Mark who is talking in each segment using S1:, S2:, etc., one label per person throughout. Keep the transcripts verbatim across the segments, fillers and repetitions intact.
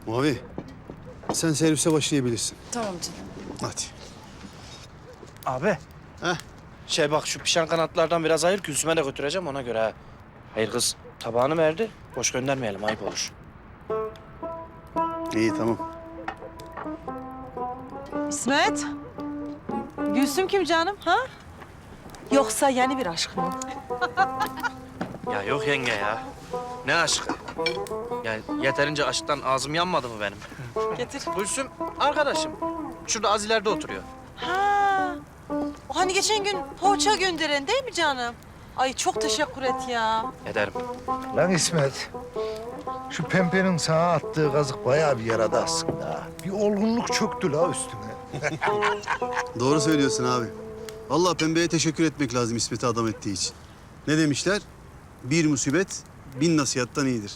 S1: Mavi, sen servise başlayabilirsin.
S2: Tamam canım.
S1: Hadi.
S3: Abi.
S1: Heh.
S3: Şey bak şu pişen kanatlardan biraz ayır, Gülsüm'e de götüreceğim ona göre ha. Hayır kız, tabağını verdi. Boş göndermeyelim, ayıp olur.
S1: İyi, tamam.
S4: İsmet. Gülsüm kim canım ha? Yoksa yeni bir aşk mı?
S3: Ya yok yenge ya. Ne aşkı? Ya yeterince aşktan ağzım yanmadı mı benim?
S4: Getir.
S3: Gülsüm arkadaşım. Şurada az ileride oturuyor.
S4: Ha. O hani geçen gün poğaça gönderen değil mi canım? Ay çok teşekkür et ya.
S3: Ederim.
S5: Lan İsmet, şu pembenin sana attığı kazık bayağı bir yaradı aslında. ha. Bir olgunluk çöktü la üstüne.
S1: Doğru söylüyorsun abi. Vallahi Pembe'ye teşekkür etmek lazım İsmet'i adam ettiği için. Ne demişler? Bir musibet bin nasihattan iyidir.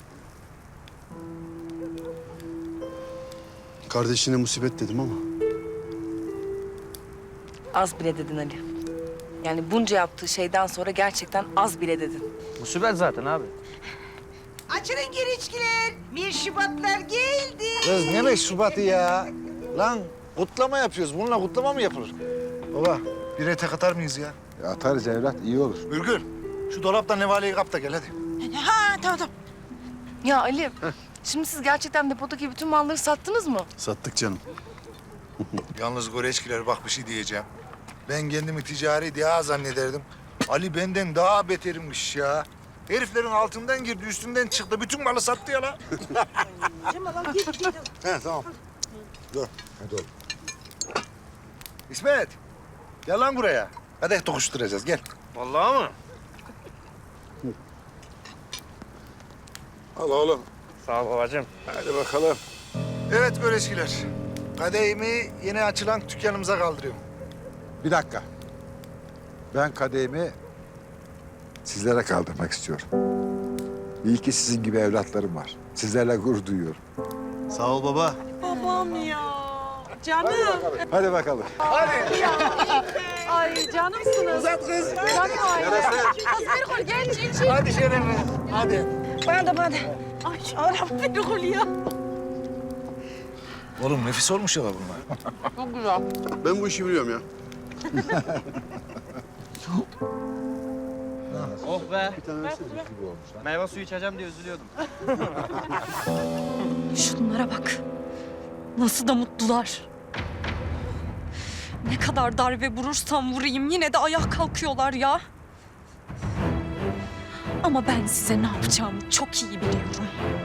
S1: Kardeşine musibet dedim ama.
S2: Az bile dedin Ali. Yani bunca yaptığı şeyden sonra gerçekten az bile dedin.
S3: Musibet zaten abi.
S6: Açılın girişkiler. Bir Şubatlar geldi.
S5: Kız ne beş Şubat'ı ya? Lan kutlama yapıyoruz. Bununla kutlama mı yapılır? Baba, bir ete atar mıyız ya?
S7: Ya atarız evlat, iyi olur.
S5: Ürgür, şu dolaptan nevaleyi kap da gel hadi.
S4: Ha tamam tamam.
S2: Ya Ali, şimdi siz gerçekten depodaki bütün malları sattınız mı?
S1: Sattık canım.
S5: Yalnız Goreçkiler bak bir şey diyeceğim. Ben kendimi ticari diye zannederdim. Ali benden daha beterimmiş ya. Heriflerin altından girdi, üstünden çıktı. Bütün malı sattı ya la. He tamam. Dur, hadi oğlum. İsmet, gel lan buraya. Hadi tokuşturacağız, gel.
S3: Vallahi mı?
S7: Al oğlum.
S3: Sağ ol babacığım.
S7: Hadi bakalım.
S5: Evet Goreçkiler. Kadehimi yeni açılan dükkanımıza kaldırıyorum.
S7: Bir dakika. Ben kadehimi sizlere kaldırmak istiyorum. İyi ki sizin gibi evlatlarım var. Sizlerle gurur duyuyorum.
S1: Sağ ol baba.
S4: Babam ya. Canım.
S7: Hadi bakalım.
S4: Ay canımsınız. Uzat kız. Canım ay. Kız bir kol gel çin çin.
S5: Hadi Şerefe, hadi.
S4: Bana da bana da. Ay Arap bir kol ya.
S5: Oğlum nefis olmuş ya bunlar.
S4: Çok güzel.
S1: Ben bu işi biliyorum ya.
S3: Oh be. Meyve suyu içeceğim diye üzülüyordum.
S8: Şunlara bak. Nasıl da mutlular. Ne kadar darbe vurursam vurayım yine de ayağa kalkıyorlar ya. Ama ben size ne yapacağımı çok iyi biliyorum.